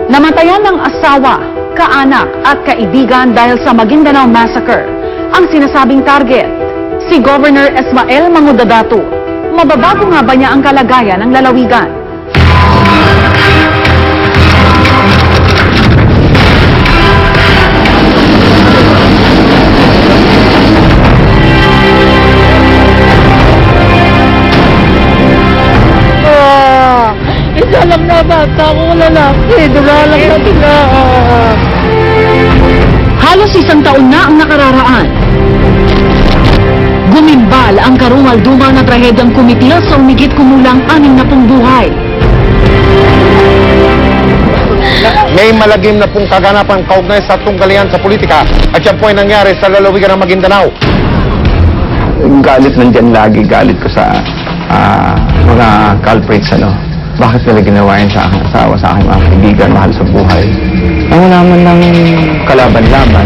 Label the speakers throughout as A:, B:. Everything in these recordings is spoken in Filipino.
A: Namatayan ng asawa, kaanak at kaibigan dahil sa Maguindanao Massacre. Ang sinasabing target, si Governor Esmael Mangudadato. Mababago nga ba niya ang kalagayan ng lalawigan?
B: Isa lang na bata ko lalaki, dumalang na sila.
A: Halos isang taon na ang nakararaan. Gumimbal ang karumal-dumal na trahedyang kumitil sa umigit kumulang 60 buhay.
C: May malagim na pong kaganapan kaugnay sa tunggalian sa politika at yan po ay nangyari sa lalawigan ng Maguindanao.
D: Galit nandyan lagi, galit ko sa mga culprits, Bakit nila ginawa yun sa aking asawa, sa aking mga kaibigan, mahal sa buhay? Ang wala man ng kalaban-laban.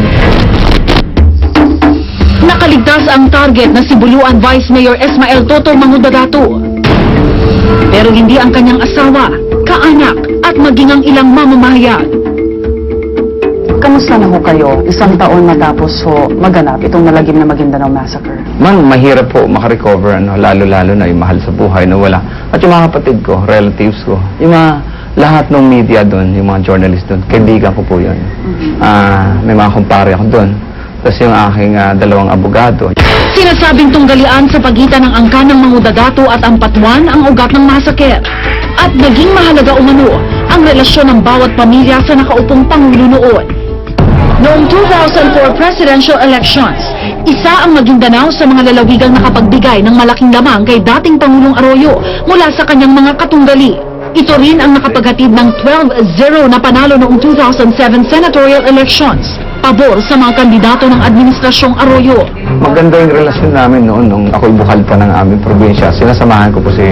A: Nakaligtas ang target na si Buluan Vice Mayor Esmael Toto Mangudadato. Pero hindi ang kanyang asawa, kaanak at maging ang ilang mamamahayag.
E: Kamusta na ho kayo? Isang taon matapos ho maganap itong malagim na Maguindanao Massacre.
D: Mahirap po makarecover, lalo-lalo na yung mahal sa buhay na wala. At yung mga kapatid ko, relatives ko, yung mga lahat ng media doon, yung mga journalist doon, kaibigan ko po yun. May mga kumpare ako doon. Tapos yung aking dalawang abogado.
A: Sinasabing tunggalian sa pagitan ng angkan ng Mangudadato at Ampatuan ang ugat ng massacre. At naging mahalaga umano ang relasyon ng bawat pamilya sa nakaupong Pangulo noon. Noong 2004 presidential elections, isa ang Maguindanao sa mga lalawigang nakapagbigay ng malaking lamang kay dating Pangulong Arroyo mula sa kanyang mga katunggali. Ito rin ang nakapaghatid ng 12-0 na panalo noong 2007 senatorial elections, pabor sa mga kandidato ng Administrasyong Arroyo.
D: Maganda yung relasyon namin noon nung ako'y bukal pa ng aming probinsya. Sinasamahan ko po si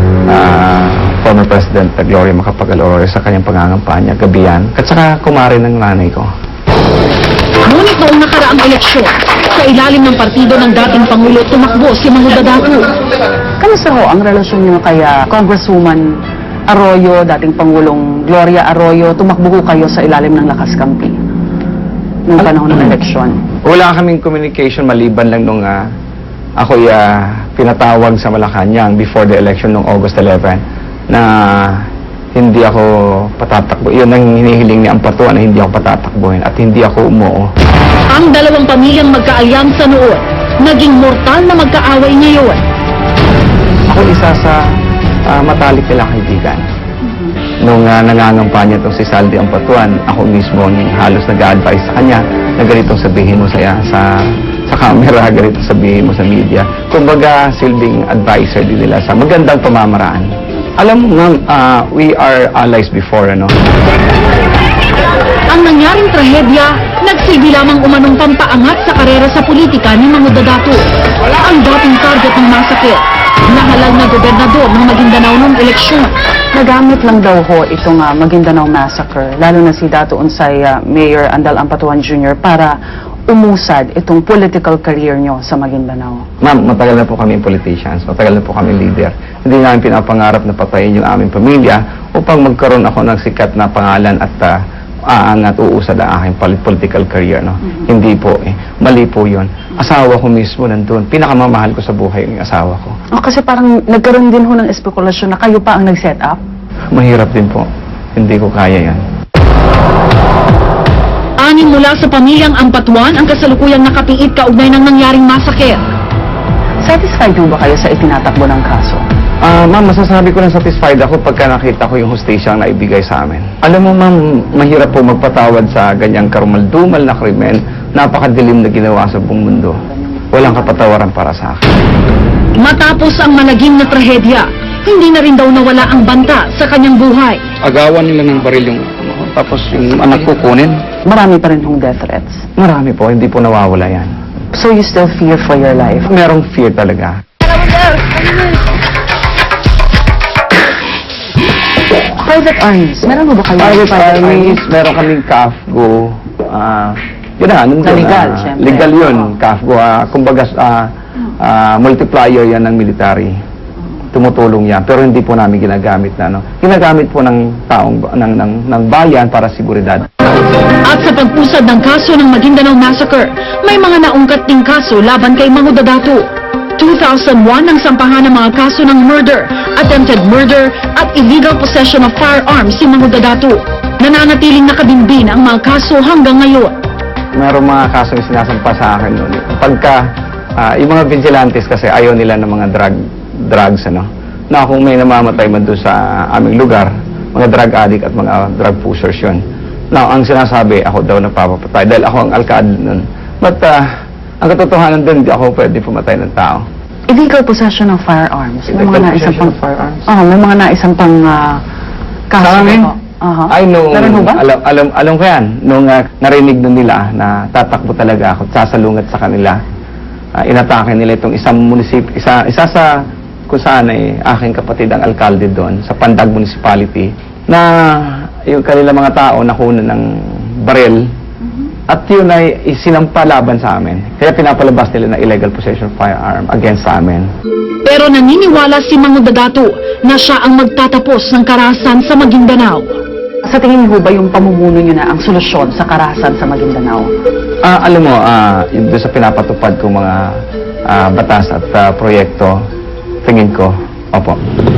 D: former President Gloria Macapagal-Arroyo sa kanyang pangangampanya, gabihan, at saka kumare ng nanay ko.
A: Ngunit noong nakaraang eleksyon, sa ilalim ng partido ng dating Pangulo, tumakbo si Mangudadato.
E: Kamusta ho ang relasyon niyo kay Congresswoman Arroyo, dating Pangulong Gloria Arroyo? Tumakbo ho kayo sa ilalim ng Lakas Kampi noong panahon ng eleksyon.
D: Wala kaming communication maliban lang nung ako'y pinatawag sa Malacanang before the election noong August 11 na hindi ako patatakbo. Yun ang hinihiling ni Ampatuan na hindi ako patatakbuhin at hindi ako umuo.
A: Ang dalawang pamilyang magkaalyansa noon, naging mortal na magkaaway ngayon.
D: Ako isa sa matalik nila kaibigan. Nung nangangampanya itong si Saldi Ampatuan, ako mismo halos nag-a-advise sa kanya na ganitong sabihin mo sa camera, ganitong sabihin mo sa media. Kumbaga, silbing advisor din nila sa magandang pamamaraan. Alam mo, ma'am, we are allies before,
A: Ang nangyaring trahedya, nagsilbi lamang umanong pampaangat sa karera sa politika ni Mangudadato. Ang dating target ng massacre, nahalal na gobernador ng Maguindanao noong eleksyon.
E: Nagamit lang daw ho itong Maguindanao Massacre, lalo na si Dato Unsay Mayor Andal Ampatuan Jr. para umusad itong political career nyo sa Maguindanao.
D: Ma'am, matagal na po kami politicians, matagal na po kami leader. Hindi namin pinapangarap na patayin yung aming pamilya upang magkaroon ako ng sikat na pangalan at aangat uusad ang aking political career. Hindi po mali po yun. Asawa ko mismo nandun. Pinakamamahal ko sa buhay yung asawa ko.
E: Kasi parang nagkaroon din ho ng espekulasyon na kayo pa ang nag-set up?
D: Mahirap din po. Hindi ko kaya yan.
A: Anim mula sa pamilyang Ampatuan ang kasalukuyang nakapiit kaugnay ng nangyaring massacre.
E: Satisfied ho ba kayo sa itinatakbo ng kaso?
D: Ma'am, masasabi ko na satisfied ako pagka nakita ko yung hustisya na ibigay sa amin. Alam mo, ma'am, mahirap po magpatawad sa ganyang karumal-dumal na krimen, napakadilim na ginawa sa buong mundo. Walang kapatawaran para sa akin.
A: Matapos ang malagim na trahedya, hindi na rin daw nawala ang banta sa kanyang buhay.
D: Agawan nila ng baril yung tapos yung anak ko kunin.
E: Marami pa rin hong death threats.
D: Marami po, hindi po nawawala yan.
E: So you still fear for your life?
D: Merong fear talaga.
E: Private armies, meron ba kayo?
D: Private armies, meron kaming CAFGO. Yun na, nandun.
E: Legal, syempre.
D: Legal yun, CAFGO. Kumbaga, multiplier yan ng military. tumutulong yan. Pero hindi po namin ginagamit na, ano. Ginagamit po ng taong, ng bayan para seguridad.
A: At sa pag-usad ng kaso ng Maguindanao Massacre, may mga naungkat ding kaso laban kay Mangudadato. 2001 ang sampahan ng mga kaso ng murder, attempted murder at illegal possession of firearms si Mangudadato. Nananatiling nakabimbin ang mga kaso hanggang ngayon.
D: Merong mga kasong sinasampa sa akin noon. Pagka, yung mga vigilantes kasi ayaw nila ng mga drugs, ano. Na kung may namamatay man doon sa aming lugar, mga drug addict at mga drug pushers yun. Now, ang sinasabi, ako daw nagpapatay dahil ako ang alkalde nun. But, ang katotohanan din, hindi ako pwede pumatay ng tao.
E: Illegal possession of firearms. May mga
D: Illegal
E: naisang
D: possession
E: pang
D: of firearms.
E: may mga naisang pang kaso.
D: Sa amin?
E: po.
D: Ay, nung,
E: Meron ho ba?
D: alam ko yan, nung narinig nun nila na tatakbo talaga ako, sasalungat sa kanila, inatake nila itong isang munisipyo, isa sa kung saan ay aking kapatid ang alkalde doon, sa Pandag Municipality, na yung kanila mga tao nakuna ng baril, at yun ay isinampa laban sa amin. Kaya pinapalabas nila na illegal possession of firearm against sa amin.
A: Pero naniniwala si Mangudadato na siya ang magtatapos ng karahasan sa Maguindanao.
E: Sa tingin niyo ba yung pamumuno niyo na ang solusyon sa karahasan sa Maguindanao?
D: Alam mo, yung doon sa pinapatupad kong mga batas at proyekto, tingin ko, opo.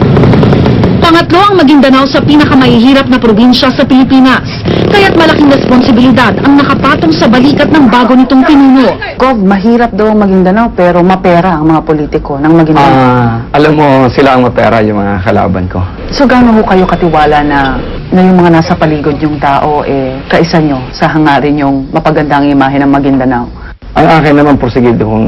A: Pangatlo ang Maguindanao sa pinakamahihirap na probinsya sa Pilipinas. Kaya't malaking responsibilidad ang nakapatong sa balikat ng bago nitong pinuno.
E: Gov, mahirap daw ang Maguindanao pero mapera ang mga politiko ng Maguindanao.
D: Alam mo, sila ang mapera, yung mga kalaban ko.
E: So gaano ho kayo katiwala na yung mga nasa paligid yung tao kaisa nyo sa hangarin yung mapagandang imahe ng Maguindanao?
D: Ang akin naman porsigido kong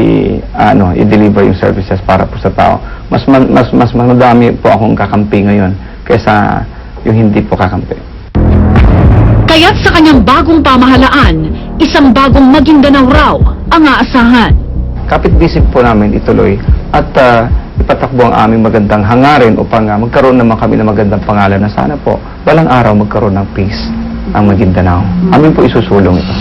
D: i-deliver yung services para po sa tao. Mas madami po akong kakampi ngayon kaysa yung hindi po kakampi.
A: Kaya't sa kanyang bagong pamahalaan, isang bagong Maguindanao raw ang aasahan.
D: Kapit-bisig po namin ituloy at ipatakbo ang aming magandang hangarin upang magkaroon naman kami ng magandang pangalan na sana po balang araw magkaroon ng peace ang Maguindanao. Amin po isusulong ito.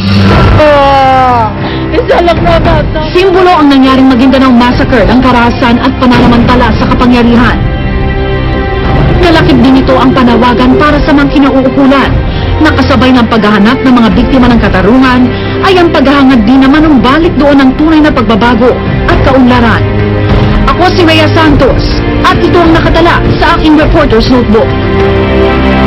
B: Isa lang na bata.
A: Simbolo ang nangyaring Maguindanao Massacre ng karahasan at pananamantala sa kapangyarihan. Nalakip din ito ang panawagan para sa mga kinauukulan. Nakasabay ng paghahanap ng mga biktima ng katarungan ay ang paghahangad din naman ng balik doon ng tunay na pagbabago at kaunlaran. Ako si Rhea Santos at ito ang nakatala sa aking Reporter's Notebook.